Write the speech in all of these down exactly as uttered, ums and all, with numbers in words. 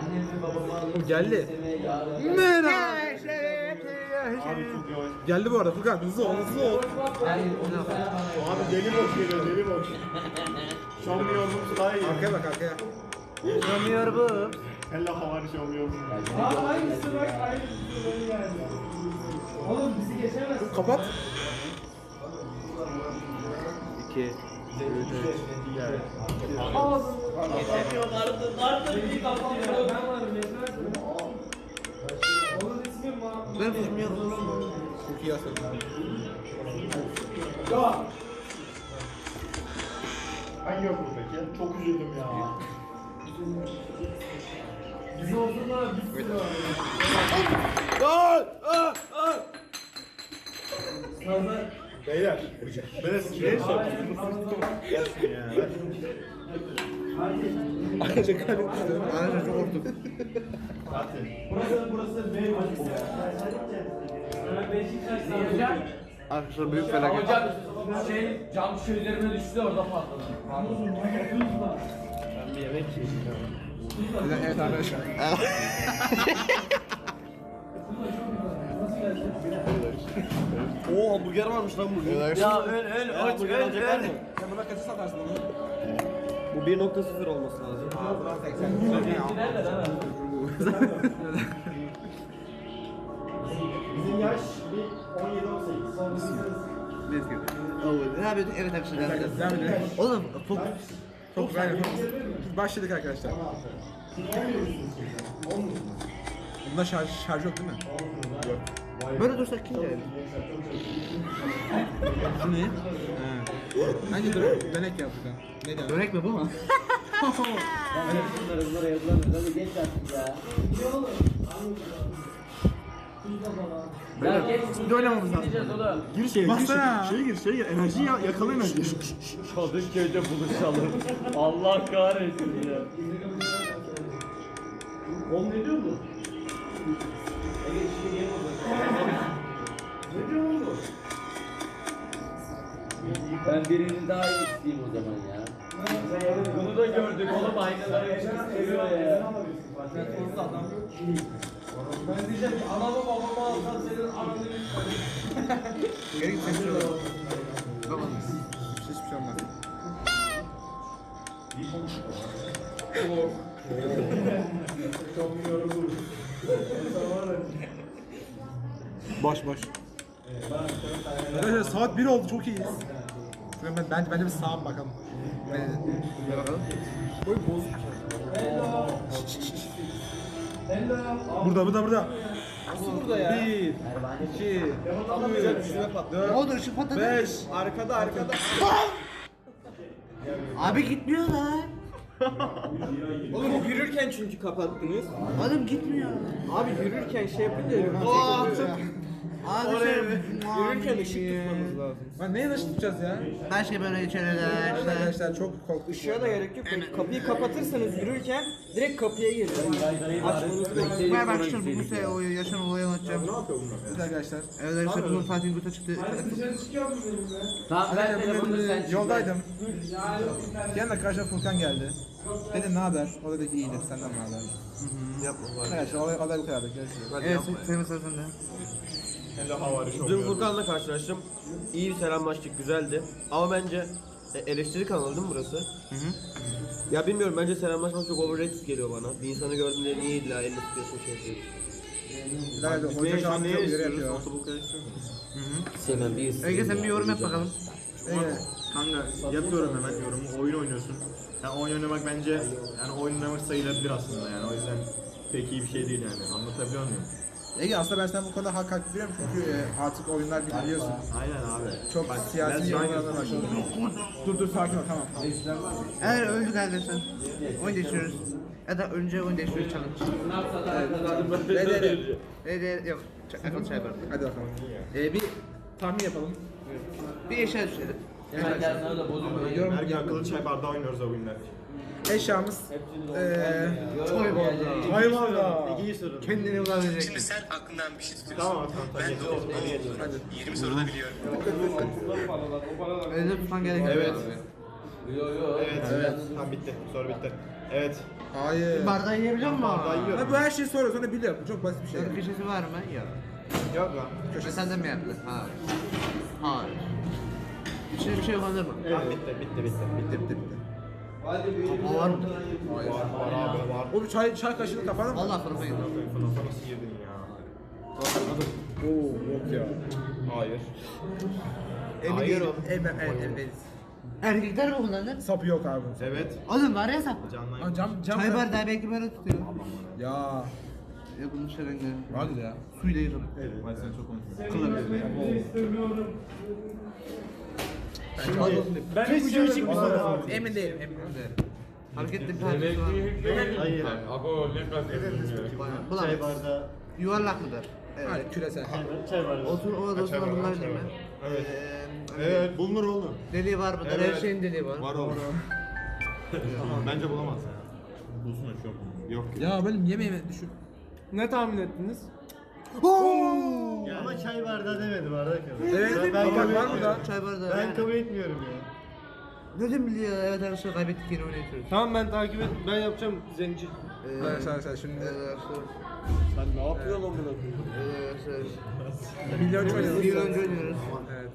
O geldi. Merhaba. Geldi bu arada Furkan, hızlı ol, hızlı ol. Abi deli boş geliyor, deli boş. Şampiyonluğumuz daha iyi. Arkaya bak, arkaya. Yanmıyor bu. Hella havari şampiyonluğumuz. Aa aynısı bak aynısı böyle geldi. Oğlum bizi geçemez. Kapat. İki. Ben varım geçemez mi? Onun ismi ma... Ben bilmiyorum. Çok iyi asıl. Hangi yok peki? Çok üzüldüm ya. Bizi olsunlar biz sürü var. Sazlar. Beyler. Ben eskiden şampiyonluğum. ya. Arkadaşlar kalbim tutuyorum. Arkadaşlar çok korktum. Burası burası benim. Beşiktaş sağlayacak. Arkadaşlar büyük felaket. Hocam şey cam şu üzerine düştü orada patladı. Evet arkadaşlar. Oo hamburger varmış lan bugün. Ya öl öl aç öl öl. Sen buna kaçı satarsın onu? Bu bir nokta sıfır olması lazım. Bizim yaş bir on yedi on sekiz. Ne yapıyorduk? Evet arkadaşlar. Devam edelim. Oğlum çok Çok güzel. Başladık arkadaşlar. Bunda şarj, şarj yok değil mi? böyle dursak kim gelir? Şu ne? Bence dur, dönek yap Furkan. Ne diyorsun? Dönek mi bu mu? Bunları bunlara yazılamıyor. Hadi geç artık ya. Ya geç. Bir de oynamamız lazım. Gideceğiz oğlum. Gir şeye, gir Bassana. şeye, şeye gir, şeye gir. Enerji ya, yakala enerji. Kadıköy'de buluşalım. Allah kahretsin ya. Oğlum ne diyor bu? Ne diyor oğlum bu? Ben birini daha iyi isteyeyim o zaman ya. Bunu da gördük oğlum aynaları seviyor ya. Ben diyeceğim ki anamı babamı alsan senin ananı lütfen. Geri git sesini alalım. Hiçbir şey olmaz. Boş boş. Arkadaşlar saat bir oldu, çok iyiyiz. Ben, ben, bence, bence bir sağa bakalım. Ne bakalım? Boy bozuk. Burada, burada, burada. Nasıl burada ya? Bir, iki, üç, dört, O da ışık patladı. beş. Arkada, arkada. Abi gitmiyor lan. Oğlum yürürken çünkü kapattınız. Oğlum gitmiyor. Abi yürürken şey yapınca Aa, Abi oraya şey- yürürken ışık tutmanız lazım. Lan neye nasıl tutacağız ya? Her şey böyle içeride işte. Arkadaşlar çok korktuk. Işığa da gerek yok. Kapıyı kapatırsanız yürürken direkt kapıya gelir. Açmanızı bekleyin. Ben bak şimdi bu sefer o yaşam olayı anlatacağım. Evet arkadaşlar. Evet arkadaşlar bugün Fatih Gut'a çıktı. Dışarı çıkıyor mu benimle? Tamam ben Arkadaşlar telefonunu bugün sen e, çık. yoldaydım. Yanına karşıma Furkan geldi. Dedim ne haber? O dedi ki iyidir, senden ne haber? Yapma Arkadaşlar olay, olay bu kadar. Görüşürüz. Evet senin sırasında. Hella havari Dün şampiyonluğumuz. Furkan'la karşılaştım. İyi bir selamlaştık, güzeldi. Ama bence e, eleştiri kanalı değil mi burası? Hı hı. Ya bilmiyorum, bence selamlaşmak çok overrated geliyor bana. Bir insanı gördüğünde niye illa elini tutuyorsun şey yapıyorsun. Nerede? Hoca şu an çok yere yapıyor. Sevmem bir Ege sen bir yorum yap bakalım. Evet. Kanka yapıyorum hemen yorumu. Oyun oynuyorsun. Yani oyun oynamak bence yani oyun oynamak sayılabilir aslında yani. O yüzden pek iyi bir şey değil yani. Anlatabiliyor muyum? Ege aslında ben sana bu konuda hak hak veriyorum çünkü e, artık oyunlar biliyorsun. Aynen abi. Çok Bak, siyasi ben yorumlardan başladı. Dur dur sakin ol, tamam. Eğer öldük arkadaşlar. Oyun değiştiriyoruz. Ya da önce oyun değiştiriyoruz challenge. Ne dedi? Ne de yok. Ç- Akıl çay var. Hadi bakalım. Ee, bir tahmin yapalım. Bir eşya düşelim. Hemen gel sana da bozulmuyor. Yorum Her gün akıllı çay bardağı oynuyoruz o günler. Eşyamız eee Çay bardağı. hayvan da. Ege'yi sorun. Kendini ulaşacak. Şimdi sen aklından bir şey tutuyorsun. Tamam tamam tamam. Ben de o yirmi soruda biliyorum. Öyle tutman gerekiyor. Evet. Yo yo. Evet evet. Tamam bitti. Soru bitti. Evet. Hayır. Bardağı yiyebiliyor musun? Bardağı yiyorum. Ha, bu her şeyi soruyor sonra biliyor. Bu çok basit bir şey. Dört köşesi var mı? Yok. Yok lan. Köşe sende mi yaptı? Hayır. Hayır. İçinde bir şey yok anladın mı? Tamam bitti bitti bitti. Bitti bitti bitti. O var mı? Var var abi var. O bir çay, çay kaşığını kapar mı? Valla fırına gidiyor. Fınata nasıl girdin ya? Oo yok ya. Hayır. Emin Hayır değilim. oğlum. Evet, evet, evet. Erkekler mi kullanır? Sapı yok abi. Evet. Oğlum var ya sapı. Canlı. Lan cam, cam. Çay bardağı belki böyle tutuyor. Ya. Ya bunun şerenge. Hadi ya. Suyla yıkın. Hadi sen çok konuşuyorsun. Kılabilir. İstemiyorum. Ben Kes bir şey şöyle çıkmış bir sana. bana. Emin değilim, emin değilim. Hareketli bir tanesi var. Hayır. Abo ne kadar Bulamaz. Yuvarlak mıdır? Evet, Evet. küresel. Otur o odasına bulunabilir mi? Evet. Ee, Evet bulunur oğlum. Deliği var mıdır? Evet. Her şeyin deliği var. Var oğlum. Bence bulamaz ya. Bulsun da yok. Yok. Ya benim yemeğimi düşün. Ne tahmin ettiniz? Ama çay bardağı demedim arkadaşlar. Evet, ben, bak kabul var mı da? Çay bardağı. Ben kabul etmiyorum ya. Nereden biliyor? Evet arkadaşlar kaybettik yine oynatıyoruz. Tamam ben takip et. Ben yapacağım zenci. Ee, Hayır, sen sen şimdi Evet arkadaşlar. Sen ne yapıyorsun amına koyayım? Evet arkadaşlar. milyoncu oynuyoruz. Bir önce oynuyoruz. Evet.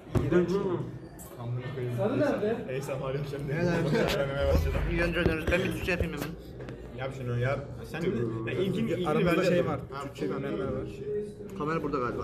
Sarı nerede? Ey sen var yapacağım diye. Evet arkadaşlar. Öğrenmeye başladım. Bir önce oynuyoruz. Ben bir Türkçe yapayım hemen. Yap şunu yap. Sen de ben ilkini ilkini Aramızda bende şey yapalım. var. Ha, Türkçe kamerler var. Kamera burada galiba.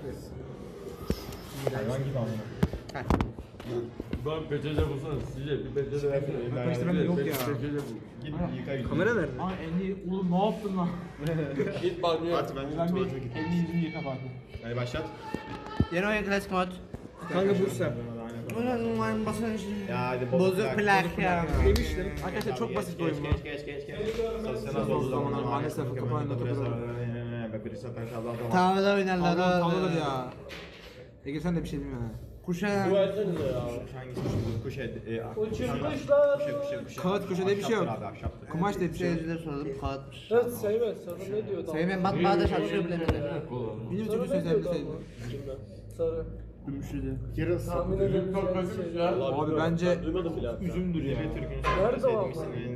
Hayvan gibi amına. Ben peçete bulsana size bir peçete versene. Bak işte bende yok ya. Git yıka yıka. Kamera nerede? Ay elini oğlum ne yaptın lan? Git banyoya. At ben Ben tuvalete bir git. elini yüzünü yıka bari. Hadi başlat. Yeni oyun klasik mod. Kanka bu sen. Ulan basın şimdi. Ya hadi Bozuk plak ya. Demiştim. Arkadaşlar çok basit bir oyun bu. Geç geç geç geç. Sosyal olduğu zamanlar maalesef kapağında kapıda. Tavada oynarlar. Allah'ım oğlum. tavladır ya. Ege sen de bir şey bilmiyorsun ha. Kuşa. Dua etsenize ya. Hangisi şimdi? Kuş et. e, a- Uçurmuşlar. Kuşe kuşe kuşe. Kağıt köşede bir şey yok. Ahşaptır abi, ahşaptır. Kumaş diye bir şey yok. Seyirciler soralım. Kağıtmış. Evet Seymen sana ne diyor? Seymen matbaada çalışıyor bile bile. Benim Sana çünkü ne diyor sözlerini da sevdim. bu? Sarı. Yarın Tahmin edebileceğim şeyler. Abi bence Duymadım bile. üzümdür ya. Nerede o ama?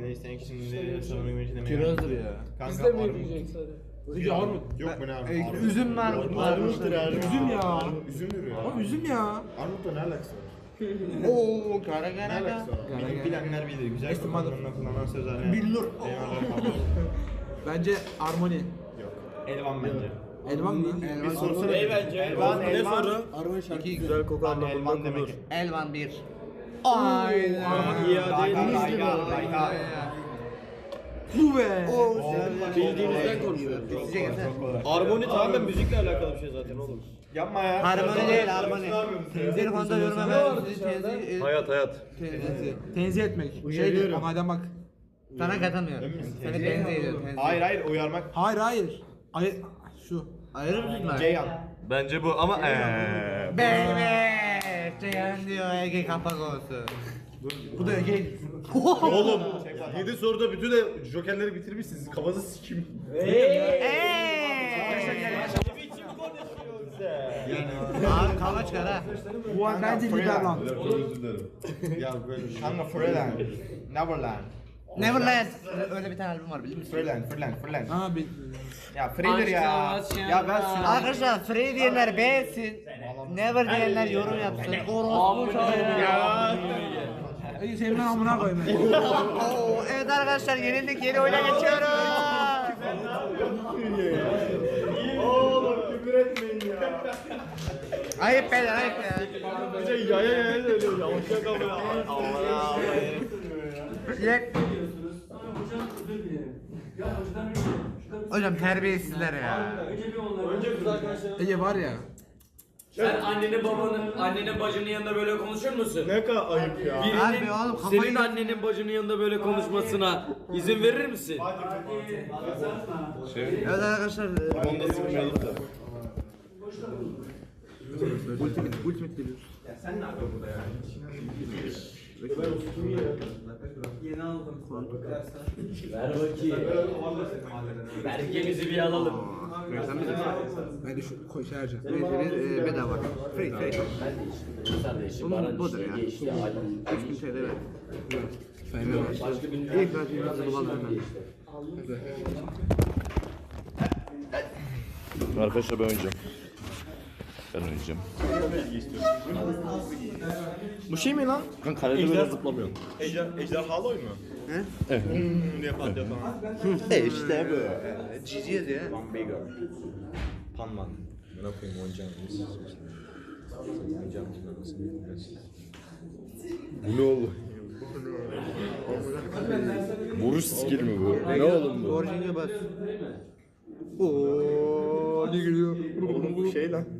Kirazdır ya. Biz de mi yürüyecek sarı? Peki armut. Yok mu ne abi? Ee, Üzüm var. Armuttur abi. Üzüm ya. Üzümdür ya. Abi üzüm ya. Armutla ne alakası var? Oo kara Ne kara alakası var? Bilir- Bilenler bilir. Güzel Estimadım. kullanılan kullanılan sözler. Bilir. Eyvallah kabul. Bence armoni. Yok. Elvan bence. Elvan mı? Bir sorsana. Ey bence. Elvan, Ne elvan. soru? İki Güzel koku Lan anlamında elvan kullanır. demek. Elvan bir. Aynen. İade Denizli Bu be. Bildiğinizden konuşuyoruz. Sizce gelsene. Armoni tamamen müzikle alakalı bir şey zaten oğlum. Yapma ya. Harmoni değil harmoni. Telefonda yorum hemen sizi tenzih Hayat hayat. tenzih. Tenzih etmek. Şeydir. Onaydan bak. Sana katamıyorum. Seni tenzih ediyorum. tenzih. Hayır hayır uyarmak. Hayır hayır. Ay şu. Ayrı mısın lan? Ceyhan. Bence bu ama eee. Baby. Ceyhan diyor Ege kapak olsun. Bu da Ege. Oğlum yedi soruda bütün de jokerleri bitirmişsiniz. Kafanızı sikim. Abi kavga çıkar ha. Bu an bence Liberland. Ya böyle kanka Freeland. Neverland. Neverland. Öyle bir tane albüm var bilir misin? Freeland, Freeland, Freeland. Ha bir. Ya Free'dir ya. Ya ben şunu Arkadaşlar Free diyenler beğensin. Never diyenler yorum yapsın. Orospu ya. Ege senin amına koyayım. Oo, evet arkadaşlar yenildik yeni oyuna geçiyoruz. Oğlum küfür etmeyin ya. Ayıp beyler ayıp ya. Bir şey yaya yaya söylüyor ya. Hoşça kalın ya. Allah Yek. Hocam terbiyesizler ya. Ege var ya. Sen annenin babanın, annenin bacının yanında böyle konuşur musun? Ne kadar ayıp ya. Birinin Abi oğlum kafayı... senin annenin bacının yanında böyle konuşmasına izin verir misin? Evet arkadaşlar. Onu da sıkmayalım da. Ultimate, ultimate geliyoruz. Ver bakayım. Belgemizi bir alalım. Ben de şu koy şey harcayacağım. Neyse e, bedava. Free free. Kardeşim Bunun bana budur işte ya. geçti. üç bin T L ver. Saymıyorum. İlk ben hazırlı balım ben. Arkadaşlar ben oynayacağım. Ben oynayacağım. Bu şey mi lan? Ben kalede böyle zıplamıyorum. Ejder, ejderhalı oyun mu? He? Evet. Hmm diye patlıyor falan. E işte bu. Ciciye diye. Van Bigger. Panman. Ne yapayım oynayacağım. Oynayacağım. Bu ne oğlum? Vuruş skill mi bu? Ne oğlum bu? Orijinal bas. Ooo ne geliyor? Oğlum bu şey lan.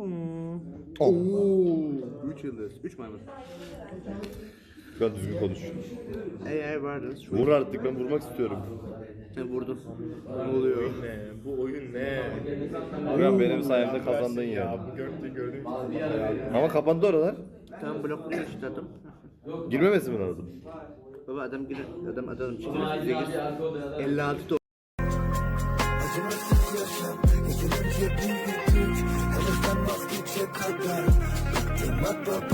Ooo. Üç yıldız. Üç maymun. Ben düzgün konuş. Eğer vardı. Şu Vur artık, ben vurmak istiyorum. ne vurdum. Ne oluyor? Ne? Bu oyun ne? Abi benim sayemde kazandın ya. Ya bu gördüğün gördüğün Ama kapandı oralar. Tam blokluyor işte adam. Girmemesi mi lazım? Baba adam girer. Adam adam çıkıyor. Bize gir. elli altı to. Acımasız yaşam, yeterince büyüdük. Ölürsen vazgeçe kadar. Bıktım hatta